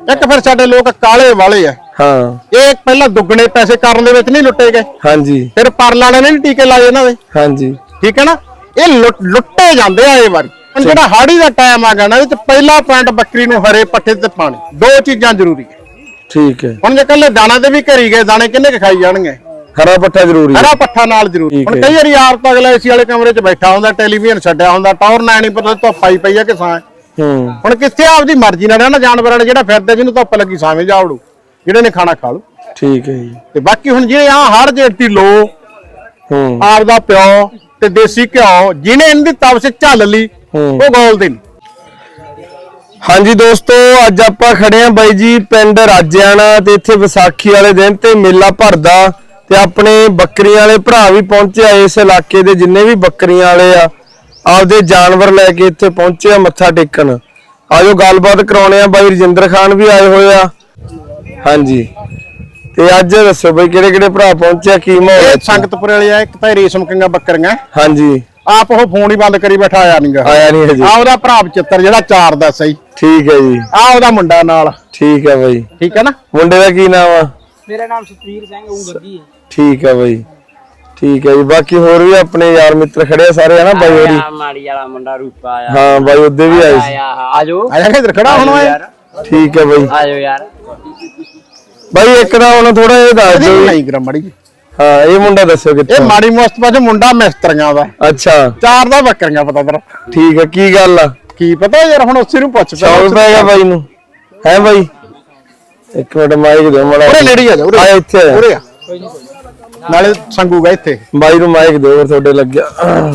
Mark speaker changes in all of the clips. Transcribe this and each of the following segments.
Speaker 1: ਇੱਕ ਫਿਰ ਸਾਡੇ ਲੋਕ ਕਾਲੇ ਵਾਲੇ ਆ।
Speaker 2: ਹਾਂ
Speaker 1: ਇਹ ਪਹਿਲਾਂ ਦੁੱਗਣੇ ਪੈਸੇ ਕਰਨ ਦੇ ਵਿੱਚ ਨਹੀਂ ਲੁੱਟੇ ਗਏ।
Speaker 2: ਹਾਂਜੀ
Speaker 1: ਫਿਰ ਪਰਲ ਵਾਲੇ ਨੇ ਟੀਕੇ ਲਾਏ ਇਹਨਾਂ ਦੇ।
Speaker 2: ਹਾਂਜੀ
Speaker 1: ਠੀਕ ਹੈ ਨਾ, ਇਹ ਲੁੱਟੇ ਜਾਂਦੇ ਆ ਇਹ ਵਾਰੀ। ਹੁਣ ਜਿਹੜਾ ਹਾੜੀ ਦਾ ਟਾਈਮ ਆ ਗਿਆ ਨਾ, ਇਹਦੇ ਚ ਪਹਿਲਾ ਪੁਆਇੰਟ ਬੱਕਰੀ ਨੂੰ ਹਰੇ ਪੱਠੇ ਤੇ ਪਾਣੀ, ਦੋ ਚੀਜ਼ਾਂ ਜ਼ਰੂਰੀ ਹੈ।
Speaker 2: ਠੀਕ ਹੈ।
Speaker 1: ਹੁਣ ਜੇ ਕੱਲੇ ਦਾਣਾ ਤੇ ਵੀ ਘਰੀ ਗਏ, ਦਾਣੇ ਕਿੰਨੇ ਕੁ ਖਾਈ ਜਾਣਗੇ?
Speaker 2: ਹਰਾ ਪੱਠਾ ਜ਼ਰੂਰੀ ਹੈ,
Speaker 1: ਹਰਾ ਪੱਠਾ ਨਾਲ ਜ਼ਰੂਰੀ। ਹੁਣ ਕਈ ਵਾਰੀ ਆਪ ਤਾਂ ਅਗਲਾ ਏਸੀ ਵਾਲੇ ਕਮਰੇ 'ਚ ਬੈਠਾ ਹੁੰਦਾ, ਟੈਲੀਵਿਜ਼ਨ ਛੱਡਿਆ ਹੁੰਦਾ, ਟੌਰ ਨਾ ਨਹੀਂ ਪਤਾ ਧੁੱਪ ਆਈ ਪਈ ਆ ਕਿ ਛਾਂ। ਹੁਣ ਕਿੱਥੇ ਆਪਦੀ ਮਰਜ਼ੀ ਨਾਲ ਰਹਿਣਾ ਜਾਨਵਰਾਂ ਨੇ, ਜਿਹੜਾ ਫਿਰਦਾ ਜਿਹਨੂੰ ਧੁੱਪ ਲੱਗੀ ਛਾਵੇਂ ਜਾਵੜੂ, ਜਿਹੜੇ ਨੇ ਖਾਣਾ ਖਾ ਲੂ।
Speaker 2: ਠੀਕ ਹੈ ਜੀ।
Speaker 1: ਤੇ ਬਾਕੀ ਹੁਣ ਜਿਹੜੇ ਆ ਹਰ ਜੇਤੀ ਲੋ ਆਪਦਾ ਪਿਓ ਤੇ ਦੇਸੀ ਘਿਓ ਜਿਹਨੇ ਇਹਦੀ ਤਵਸ ਝੱਲ ਲਈ, ਉਹ ਗੋਲਦੇ ਨਹੀਂ।
Speaker 2: ਹਾਂਜੀ ਦੋਸਤੋ, ਅੱਜ ਆਪਾਂ ਖੜੇ ਆ ਬਾਈ ਜੀ ਪਿੰਡ ਰਾਜਿਆਣਾ ਤੇ ਇੱਥੇ ਵਿਸਾਖੀ ਵਾਲੇ ਦਿਨ ਤੇ ਮੇਲਾ ਭਰਦਾ ਤੇ ਆਪਣੇ ਬੱਕਰੀਆਂ ਵਾਲੇ ਭਰਾ ਵੀ ਪਹੁੰਚੇ ਆ। ਇਸ ਇਲਾਕੇ ਦੇ ਜਿੰਨੇ ਵੀ ਬੱਕਰੀਆਂ ਵਾਲੇ ਆ ਆਪਦੇ ਜਾਨਵਰ ਲੈ ਕੇ ਇੱਥੇ ਪਹੁੰਚੇ ਆ ਮੱਥਾ ਟੇਕਣ। ਆਜੋ ਗੱਲਬਾਤ ਕਰਾਉਣੇ ਆ। ਬਾਈ ਰਜਿੰਦਰ ਖਾਨ ਵੀ ਆਏ ਹੋਏ ਆ। ਹਾਂਜੀ, ਤੇ ਅੱਜ ਦੱਸੋ ਬਾਈ ਕਿਹੜੇ ਕਿਹੜੇ ਭਰਾ ਪਹੁੰਚੇ ਆ, ਕੀ ਮਾਹੌਲ ਹੈ?
Speaker 1: ਸੰਗਤਪੁਰ ਵਾਲੇ ਆ, ਇੱਕ ਤਾਂ ਰੇਸ਼ਮ ਕਿੰਗਾ ਬੱਕਰੀਆਂ।
Speaker 2: ਹਾਂਜੀ,
Speaker 1: ਆਪ ਉਹ ਫੋਨ ਹੀ ਬੰਦ ਕਰੀ ਬੈਠਾ, ਆਇਆ ਨਹੀਂ
Speaker 2: ਹਜੇ।
Speaker 1: ਆ ਉਹਦਾ ਭਰਾ ਬਚਿੱਤਰ ਜਿਹੜਾ 4 ਦਾ ਸਹੀ।
Speaker 2: ਠੀਕ ਹੈ ਜੀ।
Speaker 1: ਆ ਉਹਦਾ ਮੁੰਡਾ ਨਾਲ।
Speaker 2: ਠੀਕ ਹੈ ਬਾਈ।
Speaker 1: ਠੀਕ ਹੈ ਨਾ।
Speaker 2: ਮੁੰਡੇ ਦਾ ਕੀ ਨਾਮ ਆ?
Speaker 3: ਮੇਰਾ ਨਾਮ ਸੁਖਵੀਰ ਸਿੰਘ ਉਂਗਰਦੀ ਹੈ।
Speaker 2: ਠੀਕ ਹੈ ਬਾਈ, ਠੀਕ ਹੈ ਜੀ। ਬਾਕੀ ਹੋਰ ਵੀ ਆਪਣੇ ਯਾਰ ਮਿੱਤਰ ਖੜੇ ਆ ਸਾਰੇ, ਹਨਾ ਬਾਈ ਹੋਰੀ?
Speaker 3: ਮਾੜੀ ਵਾਲਾ ਮੁੰਡਾ ਰੂਪਾ ਆਇਆ।
Speaker 2: ਹਾਂ ਬਾਈ ਉਹਦੇ ਵੀ ਆਏ ਸੀ।
Speaker 3: ਆਜੋ
Speaker 1: ਆਇਆ ਇੱਧਰ ਖੜਾ ਹੁਣ ਯਾਰ।
Speaker 2: ਠੀਕ ਹੈ ਬਾਈ।
Speaker 3: ਆਜੋ ਯਾਰ।
Speaker 2: ਬਾਈ ਇੱਕ ਦਾ ਹੁਣ ਥੋੜਾ ਇਹ ਦੱਸ ਦਿਓ।
Speaker 1: ਨਹੀਂ ਗਰਮ ਮੜੀ।
Speaker 2: ਹਾਂ, ਇਹ ਮੁੰਡਾ ਦੱਸੋ ਕਿੱਥੇ?
Speaker 1: ਇਹ ਮਾੜੀ ਮੁਸਤਫਾ ਚ ਮੁੰਡਾ ਮਿਸਤਰੀਆਂ ਦਾ।
Speaker 2: ਅੱਛਾ,
Speaker 1: 4 ਦਾ ਬੱਕਰੀਆਂ ਪਤਾ ਤੇਰਾ?
Speaker 2: ਠੀਕ ਹੈ। ਕੀ ਗੱਲ ਆ?
Speaker 1: ਕੀ ਪਤਾ ਯਾਰ, ਹੁਣ ਉਸੇ ਨੂੰ ਪੁੱਛ
Speaker 2: ਸ਼ੌਕ ਪੈ ਗਿਆ ਬਾਈ ਨੂੰ, ਹੈ ਬਾਈ? ਇੱਕ ਮਿੰਟ ਮਾਈਕ ਦਿਓ ਮੜਾ।
Speaker 1: ਉਰੇ ਨੇੜੇ ਆ ਜਾ, ਉਰੇ
Speaker 2: ਇੱਥੇ
Speaker 1: ਉਰੇ ਆ, ਨਾਲੇ ਸੰਗੂਗਾ ਇੱਥੇ।
Speaker 2: ਬਾਈ ਨੂੰ ਮਾਈਕ ਦਿਓ, ਤੁਹਾਡੇ ਲੱਗਿਆ।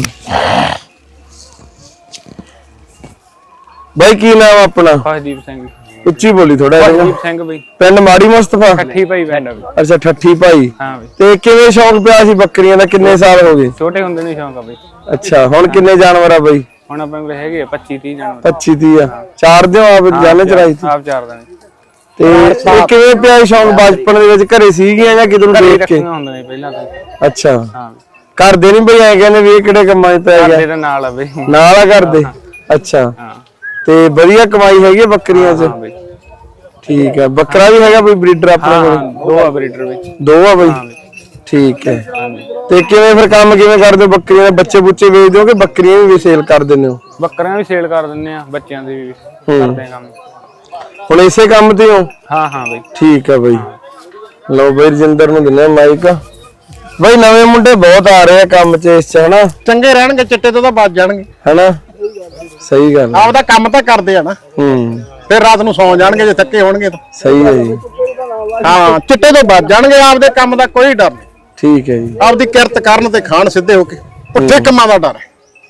Speaker 2: ਬਾਈ ਕੀ ਨਾਮ ਆਪਣਾ?
Speaker 3: ਖੁਸ਼ਦੀਪ ਸਿੰਘ।
Speaker 2: ਉੱਚੀ ਬੋਲੀ ਥੋੜਾ ਜਿਹਾ।
Speaker 3: ਖੁਸ਼ਦੀਪ ਸਿੰਘ ਬਈ।
Speaker 2: ਪਿੰਡ ਮਾੜੀ ਮੁਸਤਫਾ?
Speaker 3: ਠੱਠੀ ਭਾਈ ਪਿੰਡ।
Speaker 2: ਅੱਛਾ, ਠੱਠੀ ਭਾਈ।
Speaker 3: ਹਾਂ ਬਈ।
Speaker 2: ਤੇ ਕਿਵੇਂ ਸ਼ੌਕ ਪਿਆ ਸੀ ਬੱਕਰੀਆਂ ਦਾ? ਕਿੰਨੇ ਸਾਲ ਹੋ ਗਏ?
Speaker 3: ਛੋਟੇ ਹੁੰਦੇ ਨੇ ਸ਼ੌਂਕ ਆ ਬਈ।
Speaker 2: ਅੱਛਾ, ਹੁਣ ਕਿੰਨੇ ਜਾਨਵਰ ਆ ਬਾਈ?
Speaker 3: ਹੁਣ ਆਪਣੇ ਕੋਲ ਹੈਗੇ 25-30 ਜਾਨਵਰ।
Speaker 2: 25-30 ਆ। ਚਾਰ ਦਿਓ ਆਪ ਜਾਣੇ ਚਰਾਈ ਸੀ?
Speaker 3: ਆਪ ਚਾਰ ਦਿਨ।
Speaker 2: ਤੇ ਇਹ ਕਿਵੇਂ ਪਿਆ ਸ਼ੌਕ? ਬਚਪਨ ਦੇ ਵਿੱਚ ਘਰੇ ਸੀਗੀਆਂ ਜਾਂ ਕਿਧਰੋਂ ਦੇਖ ਕੇ?
Speaker 3: ਹੁੰਦੇ ਨੇ ਪਹਿਲਾਂ ਤਾਂ।
Speaker 2: ਅੱਛਾ,
Speaker 3: ਹਾਂ।
Speaker 2: ਕਰਦੇ ਨਹੀਂ ਬਈ ਐ ਕਹਿੰਦੇ ਵੀ ਇਹ ਕਿਹੜੇ ਕੰਮਾਂ 'ਚ ਪੈ ਗਿਆ?
Speaker 3: ਤੇਰੇ ਨਾਲ ਆ ਬਈ।
Speaker 2: ਨਾਲ ਆ ਕਰਦੇ? ਅੱਛਾ,
Speaker 3: ਹਾਂ।
Speaker 2: ਤੇ ਵਧੀਆ ਕਮਾਈ ਹੈਗੀ ਬੱਕਰੀਆਂ 'ਚ?
Speaker 3: ਹਾਂ ਬਈ।
Speaker 2: ਠੀਕ ਹੈ। ਬੱਕਰਾ ਵੀ ਹੈਗਾ ਬਈ ਬਰੀਡਰ ਆਪਣੇ ਕੋਲ?
Speaker 3: 2 ਆ ਬਰੀਡਰ ਵਿੱਚ।
Speaker 2: 2 ਆ ਬਈ। ਠੀਕ ਹੈ। ਤੇ ਕਿਵੇਂ ਫਿਰ ਕੰਮ ਕਿਵੇਂ ਕਰਦੇ ਹੋ? ਬੱਕਰੀਆਂ ਦੇ ਬੱਚੇ ਬੁੱਚੇ ਵੇਚਦੇ ਹੋ ਕਿ ਬੱਕਰੀਆਂ ਵੀ ਸੇਲ ਕਰ ਦਿੰਦੇ ਹੋ?
Speaker 3: ਬੱਕਰੀਆਂ ਵੀ ਸੇਲ ਕਰ ਦਿੰਦੇ ਆ, ਬੱਚਿਆਂ ਦੇ ਵੀ ਕਰਦੇ ਆ ਕੰਮ।
Speaker 2: ਹੁਣ ਇਸੇ ਕੰਮ ਤੇ ਹੋ?
Speaker 3: ਹਾਂ ਹਾਂ ਬਈ।
Speaker 2: ਠੀਕ ਹੈ ਬਈ। ਲਓ ਬਈ ਰਜਿੰਦਰ ਨੂੰ ਦਿੰਨੇ ਮਾਈਕ। ਬਈ ਨਵੇਂ ਮੁੰਡੇ ਬਹੁਤ ਆ ਰਹੇ ਆ ਕੰਮ 'ਚ ਇਸ 'ਚ, ਹਨਾ?
Speaker 1: ਚੰਗੇ ਰਹਿਣਗੇ, ਚਿੱਟੇ ਤੋਂ ਤਾਂ ਬਚ ਜਾਣਗੇ,
Speaker 2: ਹਨਾ? ਸਹੀ ਗੱਲ।
Speaker 1: ਆਪਦਾ ਕੰਮ ਤਾਂ ਕਰਦੇ ਆ ਨਾ। ਫਿਰ ਰਾਤ ਨੂੰ ਸੌਂ ਜਾਣਗੇ ਜੇ ਥੱਕੇ ਹੋਣਗੇ ਤਾਂ।
Speaker 2: ਸਹੀ ਹੈ ਜੀ।
Speaker 1: ਹਾਂ, ਚਿੱਟੇ ਤੋਂ ਬਚ ਜਾਣਗੇ, ਆਪਦੇ ਕੰਮ ਦਾ ਕੋਈ ਡਰ ਨਹੀਂ।
Speaker 2: ਠੀਕ ਹੈ ਜੀ।
Speaker 1: ਆਪਦੀ ਕਿਰਤ ਕਰਨ ਤੇ ਖਾਣ ਸਿੱਧੇ ਹੋ ਕੇ, ਪੁੱਠੇ ਕੰਮਾਂ ਦਾ ਡਰ ਹੈ।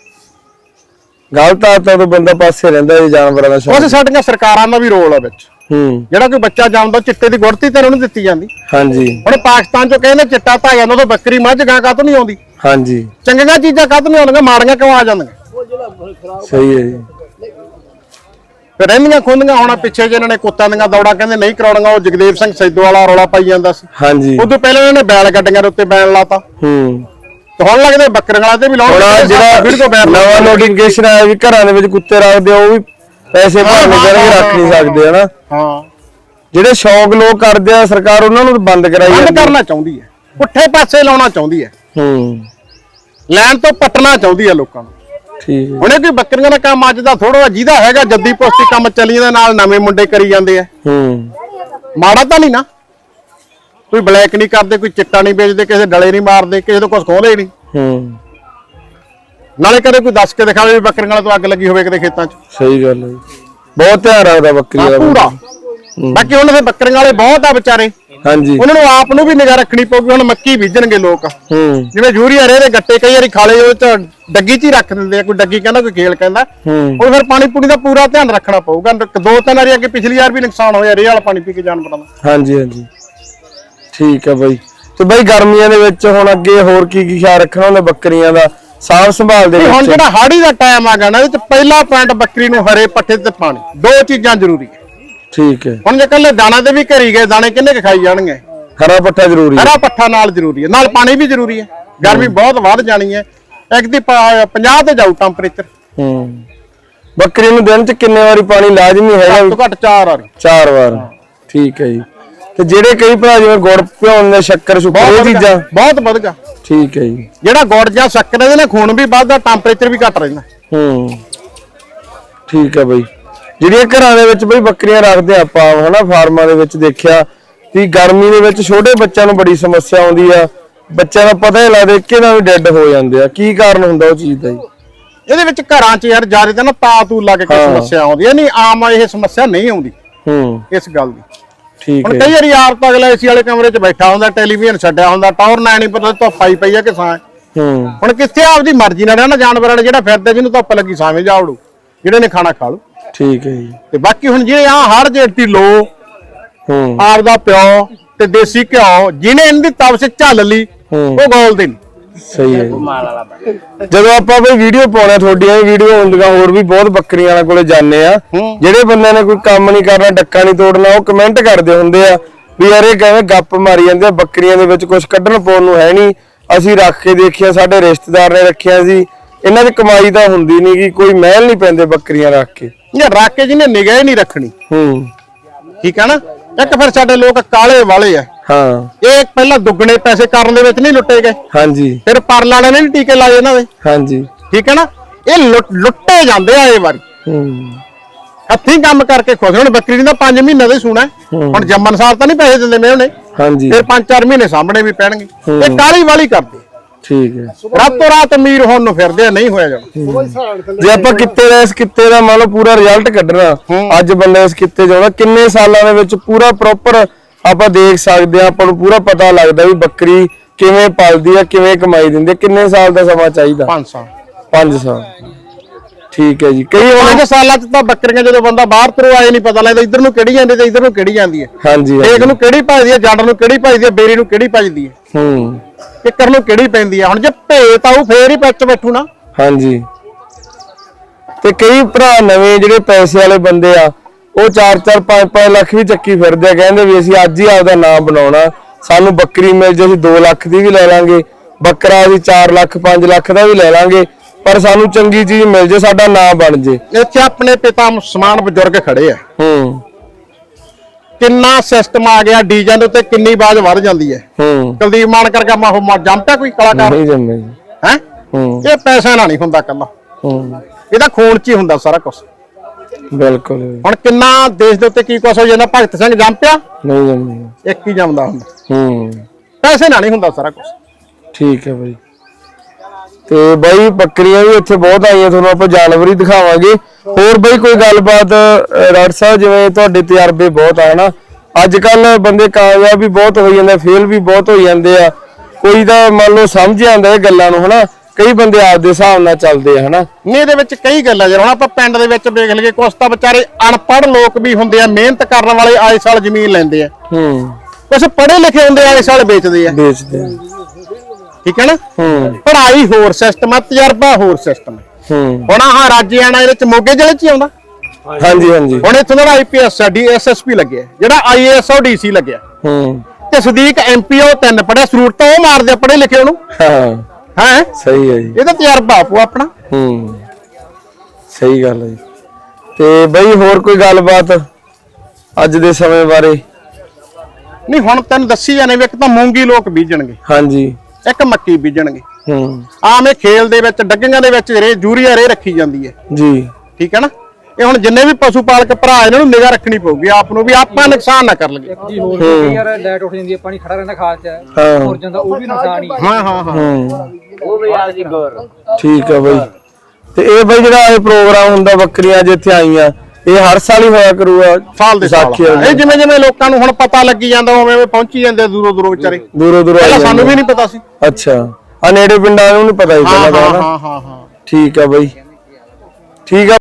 Speaker 2: ਗਲਤ ਆਦਤਾਂ ਤੋਂ ਬੰਦਾ ਪਾਸੇ ਰਹਿੰਦਾ ਜੀ, ਜਾਨਵਰਾਂ ਦਾ ਸ਼ੌਕ।
Speaker 1: ਉਸ ਸਾਡੀਆਂ ਸਰਕਾਰਾਂ ਦਾ ਵੀ ਰੋਲ ਆ ਵਿੱਚ। ਜਿਹੜਾ ਕੋਈ ਬੱਚਾ ਜੰਮਦਾ, ਚਿੱਟੇ ਦੀ ਗੁੜਤੀ ਤੇ ਉਹਨੂੰ ਦਿੱਤੀ ਜਾਂਦੀ।
Speaker 2: ਹਾਂਜੀ।
Speaker 1: ਹੁਣ ਪਾਕਿਸਤਾਨ ਚੋਂ ਕਹਿੰਦੇ ਚਿੱਟਾ ਧਾ ਜਾਂਦਾ, ਉਦੋਂ ਬੱਕਰੀ ਮੱਝ ਗਾਂ ਕਾਹਤੋਂ ਨਹੀਂ ਆਉਂਦੀ?
Speaker 2: ਹਾਂਜੀ।
Speaker 1: ਚੰਗੀਆਂ ਚੀਜ਼ਾਂ ਕਾਹਤੋਂ ਨਹੀਂ ਆਉਂਦੀਆਂ, ਮਾੜੀਆਂ ਕਿਉਂ ਆ ਜਾਂਦੀਆਂ?
Speaker 2: ਸਹੀ ਹੈ ਜੀ।
Speaker 1: ਫਿਰ ਰਹਿੰਦੀਆਂ ਖੁੰਦੀਆਂ। ਹੁਣ ਪਿੱਛੇ ਜੇ ਇਹਨਾਂ ਨੇ ਕੁੱਤਾਂ ਦੀਆਂ ਦੌੜਾਂ ਕਹਿੰਦੇ ਨਹੀਂ ਕਰਾਉਣੀਆਂ, ਉਹ ਜਗਦੇਵ ਸਿੰਘ ਸੈਦੋ ਵਾਲਾ ਰੌਲਾ ਪਾਈ ਜਾਂਦਾ ਸੀ।
Speaker 2: ਹਾਂਜੀ।
Speaker 1: ਉਦੋਂ ਪਹਿਲਾਂ ਇਹਨਾਂ ਨੇ ਬੈਲ ਗੱਡੀਆਂ ਦੇ ਉੱਤੇ ਬੈਨ ਲਾਤਾ। ਤੇ ਹੁਣ ਲੱਗਦੇ ਬੱਕਰੀਆਂ ਵਾਲੇ ਤੇ ਵੀ ਲਾਉਣ।
Speaker 2: ਜਿਹੜਾ ਨਵਾਂ ਨੋਟੀਫਿਕੇਸ਼ਨ ਆਇਆ ਵੀ ਘਰਾਂ ਦੇ ਵਿੱਚ ਕੁੱਤੇ ਰੱਖਦੇ ਆ, ਉਹ ਵੀ ਪੈਸੇ ਭਰਨੇ ਕਰਕੇ ਰੱਖ ਨਹੀਂ ਸਕਦੇ, ਹਨਾ?
Speaker 1: ਹਾਂ।
Speaker 2: ਜਿਹੜੇ ਸ਼ੌਕ ਲੋਕ ਕਰਦੇ ਆ, ਸਰਕਾਰ ਉਹਨਾਂ ਨੂੰ ਬੰਦ ਕਰਾਈ ਜਾਂਦੀ।
Speaker 1: ਬੰਦ ਕਰਨਾ ਚਾਹੁੰਦੀ ਹੈ, ਪੁੱਠੇ ਪਾਸੇ ਲਾਉਣਾ ਚਾਹੁੰਦੀ ਹੈ, ਲੈਣ ਤੋਂ ਪੱਟਣਾ ਚਾਹੁੰਦੀ ਹੈ ਲੋਕਾਂ ਨੂੰ।
Speaker 2: ਠੀਕ ਹੈ।
Speaker 1: ਹੁਣੇ ਕੋਈ ਬੱਕਰੀਆਂ ਦਾ ਕੰਮ ਅੱਜ ਦਾ ਥੋੜਾ ਜਿਹਦਾ ਹੈਗਾ, ਜੱਦੀ ਪੁਸ਼ਤੀ ਕੰਮ ਚੱਲੀ ਦੇ ਨਾਲ ਨਵੇਂ ਮੁੰਡੇ ਕਰੀ ਜਾਂਦੇ ਆ। ਮਾੜਾ ਤਾਂ ਨਹੀਂ ਨਾ, ਕੋਈ ਬਲੈਕ ਨਹੀਂ ਕਰਦੇ, ਕੋਈ ਚਿੱਟਾ ਨਹੀਂ ਵੇਚਦੇ, ਕਿਸੇ ਡਲੇ ਨਹੀਂ ਮਾਰਦੇ, ਕਿਸੇ ਤੋਂ ਕੁਝ ਖੋਹਦੇ ਨਹੀਂ। ਨਾਲੇ ਕਦੇ ਕੋਈ ਦੱਸ ਕੇ ਦਿਖਾਵੇ ਵੀ ਬੱਕਰੀਆਂ ਵਾਲੇ ਤੋਂ ਅੱਗ ਲੱਗੀ ਹੋਵੇ ਕਿਤੇ ਖੇਤਾਂ 'ਚ।
Speaker 2: ਸਹੀ ਗੱਲ ਹੈ। ਬਹੁਤ ਧਿਆਨ ਰੱਖਦਾ ਬੱਕਰੀ ਦਾ
Speaker 1: ਪੂਰਾ। ਬਾਕੀ ਉਹਨਾਂ ਦੇ ਬੱਕਰੀਆਂ ਵਾਲੇ ਬਹੁਤ ਆ ਵਿਚਾਰੇ।
Speaker 2: ਹਾਂਜੀ।
Speaker 1: ਉਹਨਾਂ ਨੂੰ ਆਪ ਨੂੰ ਵੀ ਨਿਗਾਹ ਰੱਖਣੀ ਪਊਗੀ। ਹੁਣ ਮੱਕੀ ਬੀਜਣਗੇ ਲੋਕ, ਜਿਵੇਂ ਯੂਰੀਆ ਰੇ ਦੇ ਗੱਟੇ ਕਈ ਵਾਰੀ ਖਾਲੇ ਉਹ ਚ ਡੱਗੀ 'ਚ ਹੀ ਰੱਖ ਦਿੰਦੇ ਆ। ਕੋਈ ਡੱਗੀ ਕਹਿੰਦਾ, ਕੋਈ ਖੇਲ ਕਹਿੰਦਾ। ਉਹ ਫਿਰ ਪਾਣੀ ਪੂਣੀ ਦਾ ਪੂਰਾ ਧਿਆਨ ਰੱਖਣਾ ਪਊਗਾ। 2-3 ਵਾਰੀ ਅੱਗੇ ਪਿਛਲੀ ਵਾਰ ਵੀ ਨੁਕਸਾਨ ਹੋਇਆ ਰੇ ਵਾਲਾ ਪਾਣੀ ਪੀ ਕੇ ਜਾਨਵਰਾਂ ਦਾ।
Speaker 2: ਹਾਂਜੀ ਹਾਂਜੀ, ਠੀਕ ਹੈ ਬਾਈ। ਤੇ ਬਾਈ ਗਰਮੀਆਂ ਦੇ ਵਿੱਚ ਹੁਣ ਅੱਗੇ ਹੋਰ ਕੀ ਕੀ ਖਿਆਲ ਰੱਖਣਾ ਹੁੰਦਾ ਬੱਕਰੀਆਂ ਦਾ ਸਾਂਭ ਸੰਭਾਲ ਦੇ ਵਿੱਚ?
Speaker 1: ਹੁਣ ਜਿਹੜਾ ਹਾੜੀ ਦਾ ਟਾਈਮ ਆ ਗਿਆ ਨਾ, ਇਹਦੇ ਚ ਪਹਿਲਾ ਪੁਆਇੰਟ ਬੱਕਰੀ ਨੂੰ ਹਰੇ ਪੱਠੇ ਤੇ ਪਾਣੀ, ਦੋ ਚੀਜ਼ਾਂ ਜ਼ਰੂਰੀ ਹੈ।
Speaker 2: ਠੀਕ ਹੈ।
Speaker 1: ਹੁਣ ਜੇ ਕੱਲੇ ਦਾਣਾ ਤੇ ਵੀ ਘਰੀ ਗਏ, ਦਾਣੇ ਕਿੰਨੇ ਕੁ ਖਾਈ ਜਾਣਗੇ?
Speaker 2: ਹਰਾ ਪੱਠਾ ਜ਼ਰੂਰੀ ਹੈ।
Speaker 1: ਹਰਾ ਪੱਠਾ ਨਾਲ ਜ਼ਰੂਰੀ ਹੈ, ਨਾਲ ਪਾਣੀ ਵੀ ਜ਼ਰੂਰੀ ਹੈ। ਗਰਮੀ ਬਹੁਤ ਵੱਧ ਜਾਣੀ ਹੈ, ਇੱਕ ਦੀ 50 ਤੇ ਜਾਊ ਟੈਂਪਰੇਚਰ।
Speaker 2: ਬੱਕਰੀ ਨੂੰ ਦਿਨ ਚ ਕਿੰਨੇ ਵਾਰੀ ਪਾਣੀ ਲਾਜ਼ਮੀ ਹੈਗਾ?
Speaker 1: ਘੱਟ 4 ਵਾਰ।
Speaker 2: 4 ਵਾਰ। ਠੀਕ ਹੈ ਜੀ। ਤੇ ਜਿਹੜੇ ਕਈ ਭਰਾ ਜਿਵੇਂ ਗੁੜ ਭਿਉਣ ਦੇ ਸ਼ੱਕਰ ਸ਼ੁਕਰ ਇਹ ਚੀਜ਼ਾਂ
Speaker 1: ਬਹੁਤ ਵਧੀਆ।
Speaker 2: ਠੀਕ ਹੈ ਜੀ।
Speaker 1: ਜਿਹੜਾ ਗੁੜ ਜਾਂ ਸ਼ੱਕਰ ਇਹਦੇ ਨਾਲ ਖੂਨ ਵੀ ਵੱਧਦਾ, ਟੈਂਪਰੇਚਰ ਵੀ ਘੱਟ ਰਹਿੰਦਾ।
Speaker 2: ਠੀਕ ਹੈ ਬਈ। ਜਿਹੜੀਆਂ ਘਰਾਂ ਦੇ ਵਿੱਚ ਬਈ ਬੱਕਰੀਆਂ ਰੱਖਦੇ ਆਪਾਂ ਹਨਾ ਫਾਰਮਾਂ ਦੇ ਵਿੱਚ ਦੇਖਿਆ ਵੀ ਗਰਮੀ ਦੇ ਵਿੱਚ ਛੋਟੇ ਬੱਚਿਆਂ ਨੂੰ ਬੜੀ ਸਮੱਸਿਆ ਆਉਂਦੀ ਆ, ਬੱਚਿਆਂ ਦਾ ਪਤਾ ਹੀ ਲੱਗਦਾ ਕਿਹਨਾਂ ਵੀ ਡੈੱਡ ਹੋ ਜਾਂਦੇ ਆ, ਕੀ ਕਾਰਨ ਹੁੰਦਾ ਉਹ ਚੀਜ਼ ਦਾ ਜੀ?
Speaker 1: ਇਹਦੇ ਵਿੱਚ ਘਰਾਂ 'ਚ ਯਾਰ ਜ਼ਿਆਦਾ ਤਾਂ ਨਾ ਤੂ ਲੱਗ ਕੇ ਸਮੱਸਿਆ ਆਉਂਦੀ ਹੈ, ਨਹੀਂ ਆਮ ਇਹ ਸਮੱਸਿਆ ਨਹੀਂ ਆਉਂਦੀ ਇਸ ਗੱਲ ਦੀ।
Speaker 2: ਠੀਕ
Speaker 1: ਹੁਣ
Speaker 2: ਹੈ।
Speaker 1: ਕਈ ਵਾਰੀ ਆਪ ਤਾਂ ਅਗਲਾ ਏਸੀ ਵਾਲੇ ਕਮਰੇ 'ਚ ਬੈਠਾ ਹੁੰਦਾ, ਟੈਲੀਵਿਜ਼ਨ ਛੱਡਿਆ ਹੁੰਦਾ, ਟੌਰ ਨਾ ਨਹੀਂ ਪਤਾ ਧੁੱਪ ਪਈ ਆ ਕਿ ਛਾਂ। ਹੁਣ ਕਿੱਥੇ ਆਪਦੀ ਮਰਜ਼ੀ ਨਾਲ ਰਹਿਣਾ ਜਾਨਵਰਾਂ ਨੇ, ਜਿਹੜਾ ਫਿਰਦਾ ਜਿਹਨੂੰ ਧੁੱਪ ਲੱਗੀ ਛਾਵੇਂ ਜਾਵੜੂ, ਜਿਹੜੇ ਨੇ ਖਾਣਾ ਖਾ ਲੂ।
Speaker 2: ਠੀਕ ਹੈ ਜੀ।
Speaker 1: ਤੇ ਬਾਕੀ ਹੁਣ ਜਿਹੜੇ ਆ ਹਰ ਜੇਤੀ ਲੋ ਆਪਦਾ ਪਿਓ ਤੇ ਦੇਸੀ ਘਿਓ ਜਿਹਨੇ ਇਹਦੀ ਤਵਸ ਝੱਲ ਲਈ ਉਹ ਗੋਲਦੇ ਨੇ।
Speaker 2: ਸਹੀ ਹੈ। ਜਦੋਂ ਆਪਾਂ ਬਈ ਵੀਡੀਓ ਪਾਉਣਾ, ਤੁਹਾਡੀਆਂ ਵੀਡੀਓ ਹੁੰਦੀਆਂ ਹੋਰ ਵੀ ਬਹੁਤ ਬੱਕਰੀਆਂ ਵਾਲਿਆਂ ਕੋਲੇ ਜਾਂਦੇ ਆ, ਜਿਹੜੇ ਬੰਦਿਆਂ ਨੇ ਕੋਈ ਕੰਮ ਨਹੀਂ ਕਰਨਾ, ਡੱਕਾ ਨਹੀਂ ਤੋੜਨਾ, ਉਹ ਕਮੈਂਟ ਕਰਦੇ ਹੁੰਦੇ ਆ ਵੀ ਯਾਰ ਇਹ ਕਿਵੇਂ ਗੱਪ ਮਾਰੀ ਜਾਂਦੇ ਆ, ਬੱਕਰੀਆਂ ਦੇ ਵਿੱਚ ਕੁਝ ਕੱਢਣ ਪਾਉਣ ਨੂੰ ਹੈ ਨਹੀਂ, ਅਸੀਂ ਰੱਖ ਕੇ ਦੇਖਿਆ, ਸਾਡੇ ਰਿਸ਼ਤੇਦਾਰ ਨੇ ਰੱਖਿਆ ਸੀ, ਇਹਨਾਂ ਦੀ ਕਮਾਈ ਤਾਂ ਹੁੰਦੀ ਨਹੀਂ ਗੀ, ਕੋਈ ਮਹਿਲ ਨਹੀਂ ਪੈਂਦੇ ਬੱਕਰੀਆਂ ਰੱਖ ਕੇ।
Speaker 1: ਇਹ ਰੱਖ ਕੇ ਜਿਹਨੇ ਨਿਗਾਹ ਹੀ ਨਹੀਂ ਰੱਖਣੀ। ਠੀਕ ਹੈ ਨਾ। ਇੱਕ ਫਿਰ ਸਾਡੇ ਲੋਕ ਕਾਲੇ ਵਾਲੇ ਆ। ਇਹ ਪਹਿਲਾਂ ਦੁੱਗਣੇ ਪੈਸੇ ਕਰਨ ਦੇ ਵਿੱਚ ਨਹੀਂ ਲੁੱਟੇ ਗਏ। ਹਾਂਜੀ। ਫਿਰ ਪਰਲ ਵਾਲੇ ਨੇ ਨਹੀਂ ਟੀਕੇ ਲਾਏ ਇਹਨਾਂ ਦੇ। ਹਾਂਜੀ। ਠੀਕ ਹੈ ਨਾ। ਇਹ ਲੁੱਟੇ ਜਾਂਦੇ ਆ ਇਹ ਵਾਰੀ। ਹੱਥੀਂ ਕੰਮ ਕਰਕੇ ਖੁਸ਼। ਹੁਣ ਬੱਕਰੀ ਦਾ 5 ਮਹੀਨੇ ਦਾ ਹੀ ਸੂਣਾ, ਹੁਣ ਜੰਮਣ ਸਾਰ ਤਾਂ ਨਹੀਂ ਪੈਸੇ ਦਿੰਦੇ ਮੈਂ ਉਹਨੇ। ਹਾਂਜੀ। ਫਿਰ 5-4 ਮਹੀਨੇ ਸਾਹਮਣੇ ਵੀ ਪੈਣਗੇ। ਇਹ ਕਾਲੀ ਵਾਲੀ ਕਰਦੇ। ਠੀਕ ਹੈ। ਰਾਤੋਂ ਰਾਤ ਅਮੀਰ ਹੋਣ ਨੂੰ ਫਿਰਦੇ ਆ, ਨਹੀਂ ਹੋਇਆ ਜਾਣਾ।
Speaker 2: ਜੇ ਆਪਾਂ ਕਿੱਤੇ ਦਾ ਇਸ ਕਿੱਤੇ ਦਾ ਮੰਨ ਲਓ ਪੂਰਾ ਰਿਜ਼ਲਟ ਕੱਢਣਾ, ਅੱਜ ਬੰਦਾ ਇਸ ਕਿੱਤੇ ਜਾਉਂਦਾ, ਕਿੰਨੇ ਸਾਲਾਂ ਦੇ ਵਿੱਚ ਪੂਰਾ ਪ੍ਰੋਪਰ ਆਪਾਂ ਦੇਖ ਸਕਦੇ ਆ, ਆਪਾਂ ਨੂੰ ਪੂਰਾ ਪਤਾ ਲੱਗਦਾ ਵੀ ਬੱਕਰੀ ਕਿਵੇਂ ਪਲਦੀ ਆ, ਕਿਵੇਂ ਕਮਾਈ ਦਿੰਦੀ ਆ, ਕਿੰਨੇ ਸਾਲ ਦਾ ਸਮਾਂ ਚਾਹੀਦਾ?
Speaker 1: 5 ਸਾਲ।
Speaker 2: 5 ਸਾਲ। ਠੀਕ ਹੈ ਜੀ। ਕਈ
Speaker 1: 5 ਸਾਲਾਂ ਚ ਤਾਂ ਬੱਕਰੀਆਂ ਜਦੋਂ ਬੰਦਾ ਬਾਹਰ ਤੋਂ ਆਏ ਨਹੀਂ ਪਤਾ ਲੱਗਦਾ ਇੱਧਰ ਨੂੰ ਕਿਹੜੀ ਜਾਂਦੀ ਤੇ ਇੱਧਰ ਨੂੰ ਕਿਹੜੀ ਜਾਂਦੀ ਹੈ। ਹਾਂਜੀ। ਇੱਕ ਨੂੰ ਕਿਹੜੀ ਭਜਦੀ ਹੈ, ਜੱਟ ਨੂੰ ਕਿਹੜੀ ਭਜਦੀ ਹੈ, ਬੇਰੀ ਨੂੰ ਕਿਹੜੀ ਭਜਦੀ ਹੈ, ਕਿੱਕਰ ਨੂੰ ਕਿਹੜੀ ਪੈਂਦੀ ਹੈ। ਹੁਣ ਜੇ ਭੇਤ ਆਊ ਫੇਰ ਹੀ ਵਿੱਚ ਬੈਠੂ ਨਾ। ਹਾਂਜੀ। ਤੇ ਕਈ ਭਰਾ ਨਵੇਂ ਜਿਹੜੇ ਪੈਸੇ ਵਾਲੇ ਬੰਦੇ ਆ, ਉਹ 4-4 5-5 ਲੱਖ ਵੀ ਚੱਕੀ ਫਿਰਦੇ ਆ, ਕਹਿੰਦੇ ਵੀ ਅਸੀਂ ਅੱਜ ਹੀ ਆਪਦਾ ਨਾਮ ਬਣਾਉਣਾ, ਸਾਨੂੰ ਬੱਕਰੀ ਮਿਲ ਜੇ ਅਸੀਂ 2 ਲੱਖ ਦੀ ਵੀ ਲੈ ਲਾਂਗੇ, ਬੱਕਰਾ ਅਸੀਂ 4 ਲੱਖ 5 ਲੱਖ ਦਾ ਵੀ ਲੈ ਲਾਂਗੇ, ਪਰ ਸਾਨੂੰ ਚੰਗੀ ਚੀਜ਼ ਮਿਲ ਜੇ, ਸਾਡਾ ਨਾਮ ਬਣ ਜੇ। ਇੱਥੇ ਆਪਣੇ ਪਿਤਾ ਸਮਾਨ ਬਜ਼ੁਰਗ ਖੜੇ ਆ। ਕਿੰਨਾ ਸਿਸਟਮ ਆ ਗਿਆ ਡੀਜ਼ਾਂ ਦੇ ਉੱਤੇ, ਕਿੰਨੀ ਬਾਜ਼ ਵੱਧ ਜਾਂਦੀ ਹੈ। ਕੁਲਦੀਪ ਮਾਨ ਕਰਕੇ ਜੰਮਦਾ ਕੋਈ ਕਲਾਕਾਰ ਨਹੀਂ ਜੰਮੇ ਹੈ। ਇਹ ਪੈਸਾ ਨਾਲ ਨਹੀਂ ਹੁੰਦਾ ਕੱਲਾ, ਇਹਦਾ ਖੂਨ ਚ ਹੀ ਹੁੰਦਾ ਸਾਰਾ ਕੁਝ। ਬਿਲਕੁਲ। ਹੁਣ ਕਿੰਨਾ ਦੇਸ਼ ਦੇ ਉੱਤੇ ਕੀ ਕੁਛ ਹੋ ਜਾਂਦਾ, ਭਗਤ ਸਿੰਘ ਜੰਮ ਪਿਆ ਨਹੀਂ ਜੰਮੇ, ਇੱਕ ਹੀ ਜੰਮਦਾ ਹੁੰਦਾ। ਪੈਸੇ ਨਾਲ ਨਹੀਂ ਹੁੰਦਾ ਸਾਰਾ ਕੁਝ। ਠੀਕ ਹੈ ਬਾਈ। ਤੇ ਬਾਈ ਬੱਕਰੀਆਂ ਵੀ ਇੱਥੇ ਬਹੁਤ ਆਈਆਂ, ਤੁਹਾਨੂੰ ਆਪਾਂ ਜਾਨਵਰ ਹੀ ਦਿਖਾਵਾਂਗੇ। ਹੋਰ ਬਾਈ ਕੋਈ ਗੱਲਬਾਤ ਰਾੜ ਸਾਹਿਬ, ਜਿਵੇਂ ਤੁਹਾਡੇ ਤਜਰਬੇ ਬਹੁਤ ਆ ਨਾ, ਅੱਜ ਕੱਲ ਬੰਦੇ ਕਾਮਯਾਬ ਵੀ ਬਹੁਤ ਹੋ ਜਾਂਦੇ, ਫੇਲ ਵੀ ਬਹੁਤ ਹੋ ਜਾਂਦੇ ਆ, ਕੋਈ ਤਾਂ ਮੰਨ ਲਓ ਸਮਝ ਜਾਂਦਾ ਇਹ ਗੱਲਾਂ ਨੂੰ ਹਨਾ, ਕਈ ਬੰਦੇ ਆਪਦੇ ਹਿਸਾਬ ਨਾਲ ਚੱਲਦੇ ਆ ਹਨਾ। ਨਹੀਂ ਇਹਦੇ ਵਿੱਚ ਕਈ ਗੱਲਾਂ ਜਦੋਂ ਹੁਣ ਆਪਾਂ ਪਿੰਡ ਦੇ ਵਿੱਚ ਵੇਖ ਲਈਏ, ਕੁਛ ਤਾਂ ਵਿਚਾਰੇ ਅਨਪੜ੍ਹ ਲੋਕ ਵੀ ਹੁੰਦੇ ਆ, ਮਿਹਨਤ ਕਰਨ ਵਾਲੇ ਆਏ ਸਾਲ ਜ਼ਮੀਨ ਲੈਂਦੇ ਆ। ਕੁਛ ਪੜ੍ਹੇ ਲਿਖੇ ਹੁੰਦੇ ਆਏ ਸਾਲ ਵੇਚਦੇ ਆ। ਠੀਕ ਹੈ ਨਾ। ਪੜ੍ਹਾਈ ਹੋਰ ਸਿਸਟਮ ਆ, ਤਜਰਬਾ ਹੋਰ ਸਿਸਟਮ ਹੈ। ਹੁਣ ਆਹ ਰਾਜਿਆਣਾ ਇਹਦੇ ਚ ਮੋਗੇ ਜ਼ਿਲ੍ਹੇ ਚ ਹੀ ਆਉਂਦਾ। ਹਾਂਜੀ ਹਾਂਜੀ। ਹੁਣ ਇੱਥੋਂ ਦਾ IPS ਆ, DSSP ਲੱਗਿਆ, ਜਿਹੜਾ IAS ਆ ਉਹ DC ਲੱਗਿਆ, ਤੇ ਸਦੀਕ MP ਉਹ 3 ਪੜਿਆ, ਸਰੂਟ ਤਾਂ ਉਹ ਮਾਰਦੇ ਪੜ੍ਹੇ ਲਿਖੇ ਉਹਨੂੰ। ਹੈ ਸਹੀ ਹੈ ਜੀ, ਇਹਦਾ ਤਜਰਬਾ ਆਪੋ ਆਪਣਾ। ਸਹੀ ਗੱਲ ਹੈ ਜੀ। ਤੇ ਬਈ ਹੋਰ ਕੋਈ ਗੱਲਬਾਤ ਅੱਜ ਦੇ ਸਮੇਂ ਬਾਰੇ? ਨਹੀਂ ਹੁਣ ਤੈਨੂੰ ਦੱਸੀ ਜਾਣੇ ਵੀ ਇੱਕ ਤਾਂ ਮੂੰਗੀ ਲੋਕ ਬੀਜਣਗੇ। ਹਾਂਜੀ। ਇੱਕ ਮੱਕੀ ਬੀਜਣਗੇ। ਆਮ ਇਹ ਖੇਲ ਦੇ ਵਿੱਚ ਡੱਗੀਆਂ ਦੇ ਵਿੱਚ ਯੂਰੀਆ ਰੇ ਰੱਖੀ ਜਾਂਦੀ ਹੈ ਜੀ। ਠੀਕ ਹੈ ਨਾ। ਇਹ ਹੁਣ ਜਿੰਨੇ ਵੀ ਪਸ਼ੂ ਪਾਲਕ ਭਰਾ ਇਹਨਾਂ ਨੂੰ ਨਿਗਾਹ ਰੱਖਣੀ ਪਊਗੀ ਆਪ ਨੂੰ, ਵੀ ਆਪਾਂ ਨੁਕਸਾਨ ਨਾ ਕਰ ਲਈਏ ਜੀ। ਹੋਰ ਵੀ ਯਾਰ ਲਾਈਟ ਉੱਠ ਜਾਂਦੀ ਹੈ, ਪਾਣੀ ਖੜਾ ਰਹਿੰਦਾ ਖਾਲ ਚ, ਹੋਰ ਜਾਂਦਾ, ਉਹ ਵੀ ਨੁਕਸਾਨ ਹੀ। ਹਾਂ ਉਹ ਵੀ ਆ ਜੀ ਗੌਰ। ਠੀਕ ਹੈ ਬਾਈ। ਤੇ ਇਹ ਬਾਈ ਜਿਹੜਾ ਇਹ ਪ੍ਰੋਗਰਾਮ ਹੁੰਦਾ ਬੱਕਰੀਆਂ ਜਿੱਥੇ ਆਈਆਂ, ਇਹ ਹਰ ਸਾਲ ਹੀ ਹੋਇਆ ਕਰੂਗਾ? ਸਾਲ ਦੇ ਸਾਲ। ਇਹ ਜਿਵੇਂ ਜਿਵੇਂ ਲੋਕਾਂ ਨੂੰ ਹੁਣ ਪਤਾ ਲੱਗੀ ਜਾਂਦਾ ਉਵੇਂ ਪਹੁੰਚੀ ਜਾਂਦੇ ਦੂਰੋਂ ਦੂਰੋਂ ਵਿਚਾਰੇ। ਦੂਰੋਂ ਦੂਰੋਂ ਸਾਨੂੰ ਵੀ ਨਹੀਂ ਪਤਾ ਸੀ। ਅੱਛਾ। ਆ ਨੇੜੇ ਪਿੰਡਾਂ ਨੂੰ ਨਹੀਂ ਪਤਾ ਸੀ ਪਹਿਲਾਂ। ਹਾਂ ਹਾਂ ਹਾਂ। ਠੀਕ ਆ ਬਾਈ, ਠੀਕ ਆ।